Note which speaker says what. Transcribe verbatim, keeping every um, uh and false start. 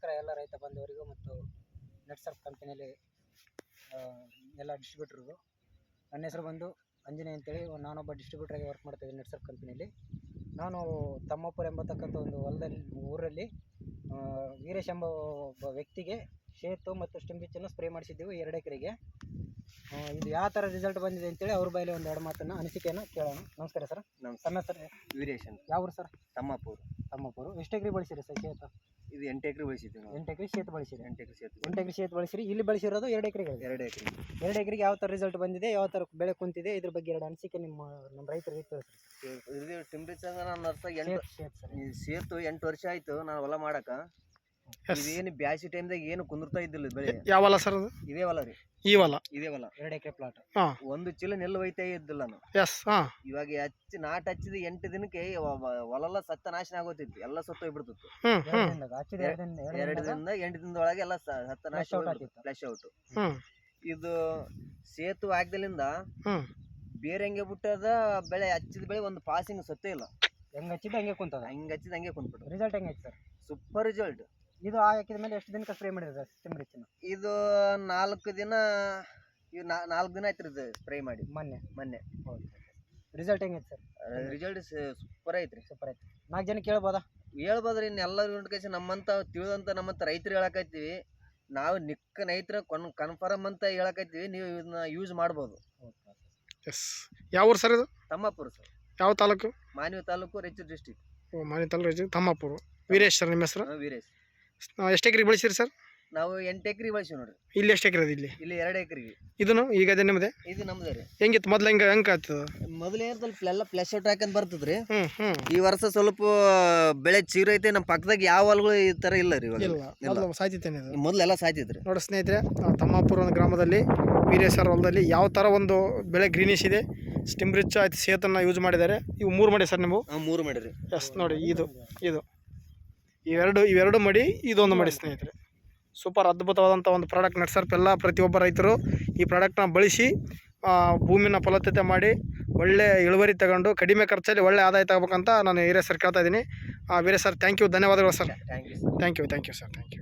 Speaker 1: ನಮಸ್ಕಾರ ಎಲ್ಲ ರೈತ ಬಾಂಧವರಿಗೂ ಮತ್ತು ನೆಟ್ಸರ್ಫ್ ಕಂಪನಿಯಲ್ಲಿ ಎಲ್ಲ ಡಿಸ್ಟ್ರಿಬ್ಯೂಟರ್ಗೂ. ನನ್ನ ಹೆಸರು ಬಂದು ಅಂಜನೇಯ ಅಂತೇಳಿ, ನಾನೊಬ್ಬ ಡಿಸ್ಟ್ರಿಬ್ಯೂಟರಾಗಿ ವರ್ಕ್ ಮಾಡ್ತಾಯಿದ್ದೀನಿ ನೆಟ್ಸರ್ಫ್ ಕಂಪನಿಯಲ್ಲಿ. ನಾನು ತಮ್ಮಪುರ ಎಂಬತಕ್ಕಂಥ ಒಂದು ಹೊಲದಲ್ಲಿ ಊರಲ್ಲಿ ವೀರೇಶ್ ಎಂಬ ಒಬ್ಬ ವ್ಯಕ್ತಿಗೆ ಶೇತು ಮತ್ತು ಸ್ಟಿಂಬಿಚ್ಚನ್ನು ಸ್ಪ್ರೇ ಮಾಡಿಸಿದ್ದೆವು ಎರಡು ಎಕರೆಗೆ. ಇದು ಯಾವ ಥರ ರಿಸಲ್ಟ್ ಬಂದಿದೆ ಅಂತೇಳಿ ಅವ್ರ ಬಾಯಲ್ಲಿ ಒಂದು ಎರಡು ಮಾತನ್ನು ಅನಿಸಿಕೆಯನ್ನು ಕೇಳೋಣ. ನಮಸ್ಕಾರ ಸರ್.
Speaker 2: ನಮ್ಮ
Speaker 1: ಸರ್
Speaker 2: ವೀರೇಶ್ ಅಂತ.
Speaker 1: ಯಾವ ಊರು ಸರ್?
Speaker 2: ತಮ್ಮಪುರ.
Speaker 1: ತಮ್ಮಪುರ. ಎಷ್ಟು ಎಕರೆ ಬಳಸಿರಿ ಸರ್ ಶೇತು?
Speaker 2: ಇದು ಎಂಟು ಎಕರೆ ಬಳಸಿದ್ದೀವಿ ನಾವು.
Speaker 1: ಎಂಟು ಎಕರೆ ಶೇತು ಬಳಸಿರಿ.
Speaker 2: ಎಂಟು ಎಕರೆ ಶೇತು
Speaker 1: ಎಂಟು ಎಕರೆ ಶೇತು ಬಳಸಿರಿ. ಇಲ್ಲಿ ಬಳಸಿರೋದು ಎರಡು ಎಕರೆಗೆ.
Speaker 2: ಎರಡು ಎಕರೆ
Speaker 1: ಎರಡು ಎಕರೆಗೆ ಯಾವ ಥರ ರಿಸಲ್ಟ್ ಬಂದಿದೆ, ಯಾವ ಥರ ಬೆಳೆ ಕುಂತಿದೆ, ಇದ್ರ ಬಗ್ಗೆ ಎರಡು ಅನಿಸಿಕೆ ನಿಮ್ಮ ನಮ್ಮ ರೈತರಿಗೆ ತಿಳಿಸ್ರಿ.
Speaker 2: ಇದು ಟಿಂಬ್ರಿಚ್ ನಾನು ವರ್ಷ ಎಂಟು
Speaker 1: ಶೇತು ಸರ್.
Speaker 2: ಈ ಸೇತು ಎಂಟು ವರ್ಷ ಆಯ್ತು ನಾನು ಹೊಲ ಮಾಡಕ. ಇದೇನು ಬ್ಯಾಸಿ ಟೈಮ್ದಾಗ ಏನು ಕುಂದಿರ್ತಾ ಇದ್ದಿಲ್ಲ ಬೆಳೆ.
Speaker 3: ಯಾವ ಹೊಲ ಸರ್ ಅದು?
Speaker 2: ಇದೇ ಹೊಲ ರೀ.
Speaker 3: ಈ ಹೊಲ
Speaker 2: ಇದೇ ಹೊಲ
Speaker 1: ಎರಡು ಎಕರೆ ಪ್ಲಾಟ್.
Speaker 2: ಒಂದು ಚೀಲ ನೆಲ್ಲು ಒಯ್ತಾ ಇದ್ದಿಲ್ಲ ನಾನು.
Speaker 3: ಎಸ್ ಹಾಂ.
Speaker 2: ಇವಾಗ ಹಚ್ಚಿ ನಾಟ್ ಹಚ್ಚಿದ ಎಂಟು ದಿನಕ್ಕೆ ಹೊಲ ಸತ್ತ ನಾಶನ ಆಗೋತಿತ್ತು, ಎಲ್ಲ ಸತ್ತು ಹೋಗ್ಬಿಡ್ತಿತ್ತು. ಎರಡು ದಿನದ ಎಂಟು ದಿನದೊಳಗೆ ಎಲ್ಲ ಸತ್ತ ನಾಶ ಫ್ಲಾಶ್ ಔಟ್. ಇದು ಸೇತು ಹಾಕ್ದಲಿಂದ ಬೇರೆ ಹಂಗೆ ಬಿಟ್ಟದ ಬೆಳೆ, ಹಚ್ಚಿದ ಬೆಳೆ ಒಂದು ಪಾಸಿಂಗ್ ಸತ್ತೇ ಇಲ್ಲ.
Speaker 1: ಹೆಂಗ್ ಹಚ್ಚಿದ ಹಂಗೆ ಕುಂತದ,
Speaker 2: ಹಂಗೆ ಹಚ್ಚಿದ ಹಂಗೆ ಕುಂತ್ಬಿಟ್ಟು.
Speaker 1: ರಿಸಲ್ಟ್ ಹೆಂಗೆ ಸರ್?
Speaker 2: Super result.
Speaker 1: ಇದು ಹಾಕಿದ ಮೇಲೆ ಎಷ್ಟು ದಿನಕ್ಕೆ ಸ್ಪ್ರೇ ಮಾಡಿದ್ರೆ ಸ್ಟಿಂಬ್ರಿಚ್ನ?
Speaker 2: ಇದು ನಾಲ್ಕು ದಿನ ಇದು ನಾಲ್ಕು ದಿನ ಆಯ್ತು ಇದು ಸ್ಪ್ರೇ ಮಾಡಿ.
Speaker 1: ಮೊನ್ನೆ
Speaker 2: ಮೊನ್ನೆ
Speaker 1: ಹೌದು. ರಿಸಲ್ಟ್ ಹೆಂಗೈತೆ ಸರ್?
Speaker 2: ರಿಸಲ್ಟ್ ಸೂಪರ್ ಐತ್ರಿ.
Speaker 1: ಸೂಪರ್ ಐತೆ. ನಾಲ್ಕು ಜನ ಕೇಳ್ಬೋದಾ? ಹೇಳ್ಬೋದ್ರಿ.
Speaker 2: ಇನ್ನು ಎಲ್ಲರೂ ಕೈಸಿ ನಮ್ಮಂತ ತಿಳಿದಂತ ನಮ್ಮಂತ ರೈತರು ಹೇಳಕೈತಿವಿ. ನಾವು ನಿಕ್ಕ ರೈತರ ಕೊನ್ ಕನ್ಫರ್ಮ್ ಅಂತ ಹೇಳಕೈತಿವಿ. ನೀವು ಇದನ್ನ ಯೂಸ್ ಮಾಡ್ಬೋದು.
Speaker 3: ಎಸ್. ಯಾವ ಊರು ಸರ್ ಇದು?
Speaker 2: ತಮ್ಮಪುರ ಸರ್.
Speaker 3: ಯಾವ ತಾಲೂಕು?
Speaker 2: ಮಾನ್ವಿ ತಾಲೂಕು, ರಾಯಚೂರು ಡಿಸ್ಟಿಕ್.
Speaker 3: ಓ, ಮಾನ್ವಿ ತಾಲೂಕು, ರಾಯಚೂರು. ತಮ್ಮಪುರ. ವೀರೇಶ್ ಸರ್ ನಿಮ್ಮ ಹೆಸರು?
Speaker 2: ವೀರೇಶ್.
Speaker 3: ಎಷ್ಟು ಎಕರೆ ಬೆಳೆಸಿರಿ ಸರ್?
Speaker 2: ನಾವು ಎಂಟು ಎಕರೆ ಬಳಸಿ ನೋಡ್ರಿ.
Speaker 3: ಇಲ್ಲಿ ಎಷ್ಟು ಎಕರೆ? ಇಲ್ಲಿ
Speaker 2: ಇಲ್ಲಿ ಎರಡು ಎಕರೆಗೆ.
Speaker 3: ಇದನ್ನು ಈಗ ಅದೇ ನಿಮ್ಮದೇ?
Speaker 2: ಇದು ನಮ್ದೇ ರೀ.
Speaker 3: ಹೆಂಗಿತ್ತು ಮೊದ್ಲು? ಹೆಂಗೆ ಹೆಂಗೆ ಆಗ್ತದ?
Speaker 2: ಮೊದಲೇ ಸ್ವಲ್ಪ ಎಲ್ಲ ಫ್ಲಾಶ್ ಔಟ್ ಹಾಕಂತ ಬರ್ತದ್ರಿ.
Speaker 3: ಹ್ಮ್ ಹ್ಮ್.
Speaker 2: ಈ ವರ್ಷ ಸ್ವಲ್ಪ ಬೆಳೆ ಚೀರೈತೆ. ನಮ್ಮ ಪಕ್ಕದಾಗ ಯಾವ ಹೊಲಗಳು ಈ ತರ ಇಲ್ಲ ರೀ.
Speaker 3: ಇಲ್ಲ, ಸಾಯ್ತಿತ್ತೇನೆ ಇದು.
Speaker 2: ಮೊದಲೆಲ್ಲ ಸಾಯ್ತಿದ್ರಿ.
Speaker 3: ನೋಡಿ ಸ್ನೇಹಿತರೆ, ತಮ್ಮಾಪುರ ಒಂದು ಗ್ರಾಮದಲ್ಲಿ ವೀರೇಶ್ ಸರ್ ಹೊಲದಲ್ಲಿ ಯಾವ ಥರ ಒಂದು ಬೆಳೆ ಗ್ರೀನಿಶ್ ಇದೆ. ಸ್ಟಿಂಬ್ರಿಚ್ ಆಯ್ತು, ಸೇತನ್ನ ಯೂಸ್ ಮಾಡಿದ್ದಾರೆ. ಇವು ಮೂರು ಮಾಡಿ ಸರ್ ನೀವು?
Speaker 2: ಮೂರು ಮಾಡಿರಿ.
Speaker 3: ಎಸ್. ನೋಡಿ ಇದು ಇದು ಇವೆರಡು ಇವೆರಡು ಮಡಿ, ಇದೊಂದು ಮಡಿ ಸ್ನೇಹಿತರೆ. ಸೂಪರ್ ಅದ್ಭುತವಾದಂಥ ಒಂದು ಪ್ರಾಡಕ್ಟ್. ನೆಟ್ಸರ್ಫ್ ಎಲ್ಲ ಪ್ರತಿಯೊಬ್ಬ ರೈತರು ಈ ಪ್ರಾಡಕ್ಟ್ನ ಬಳಸಿ ಭೂಮಿನ ಫಲವತ್ತತೆ ಮಾಡಿ ಒಳ್ಳೆ ಇಳುವರಿ ತಗೊಂಡು ಕಡಿಮೆ ಖರ್ಚಲ್ಲಿ ಒಳ್ಳೆ ಆದಾಯ ತಗೋಬೇಕಂತ ನಾನು ವೀರೇಶ್ ಸರ್ ಕೇಳ್ತಾ ಇದ್ದೀನಿ. ವೀರೇಶ್ ಸರ್, ಥ್ಯಾಂಕ್ ಯು, ಧನ್ಯವಾದಗಳು sir.
Speaker 2: Thank you
Speaker 3: thank you thank you sir thank you.